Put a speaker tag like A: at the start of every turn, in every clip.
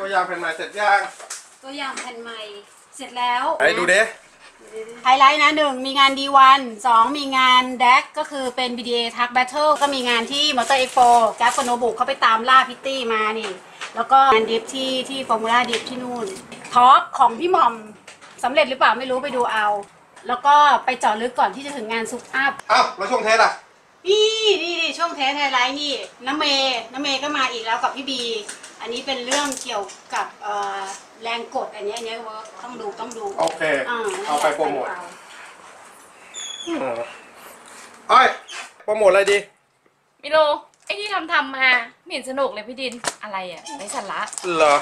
A: ตัวอย่างแผ่นใหม่เสร็จยัง
B: ตัวอย่างแผ่นใหม่เสร็จแล้ว
A: ไอ้ดูดิ
B: ไฮไลท์นะ1มีงาน D1 2มีงาน DAC ก็คือเป็น BDA Truck Battle ก็มีงานที่ Motor Expo แก๊ปกับโนบุเขาไปตามล่าพิตตี้มานี่แล้วก็งานดิฟที่ฟอร์มูล่าดิฟที่นู่นทอล์กของพี่หม่อมสำเร็จหรือเปล่าไม่รู้ไปดูเอาแล้วก็ไปเจาะลึกก่อนที่จะถึงงานซุปอัพ
A: อ้าวแล้วช่วงเทสอ่ะ
B: นี่ช่วงเทสไฮไลท์นี่น้ำเมย์ก็มาอีกแล้วกับพี่บีอันนี้เป็นเรื่องเกี่ยวกับแรงกดอันนี้ต้องดู
A: โอเคเอาไปโปรโมทโปรโมทอะไรดี
C: ไม่รู้ไอ้ที่ทำมาไม่เห็นสนุกเลยพี่ดินอะไรอ่ะไร้สาระ
A: เหรอ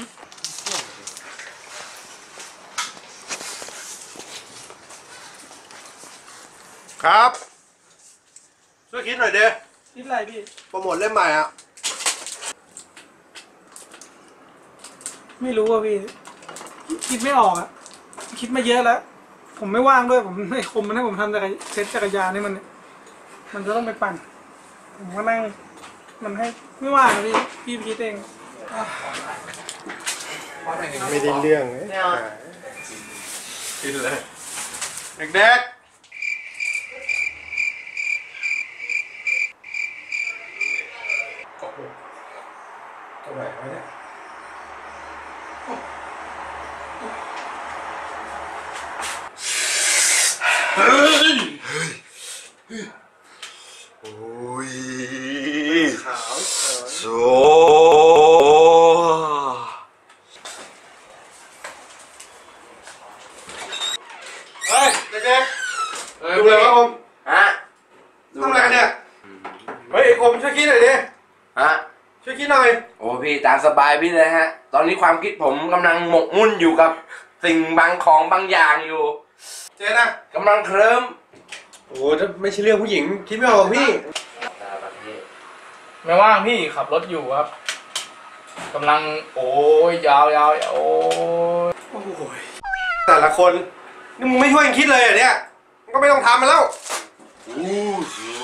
A: ครับช่วยคิดหน่อยเด้
D: คิดอะไรพี่
A: โปรโมทเล่มใหม่อ่ะ
D: ไม่รู้อ่ะพี่คิดไม่ออกอ่ะคิดมาเยอะแล้วผมไม่ว่างด้วยผมไม่คมมันให้ผมทำเซ็ตจักรยานนี่มันจะต้องไปปั่นผมก็นั่งมันให้ไม่ว่างพี่คิดเอง
A: ไม่ได้เรื่องกินเลยเด็กๆตัวไหนวะเนี่ยเฮ้ยโอ้ยขาวโซ่เฮ้ยเด็กๆดูเลยวะอมฮะทำอะไรกันเนี่ยเฮ้ยอมช่วยคิดหน่อยดิ
E: ฮะ
A: ช่วยคิดหน่อย
E: โอ้พี่ตามสบายพี่เลยฮะตอนนี้ความคิดผมกำลังหมกมุ่นอยู่กับสิ่งบางของบางอย่างอยู่
A: เจ๊นะ
E: กำลังเคลิ้ม
A: โอ้ถ้าไม่ใช่เรื่องผู้หญิงคิดไม่ออกพี่
F: ไม่ว่างพี่ขับรถอยู่ครับกำลังโอ้ยยาวโอ้
A: ยแต่ละคนนี่มึงไม่ช่วยกันคิดเลยเหรอเนี่ยก็ไม่ต้องทำมาแล้ว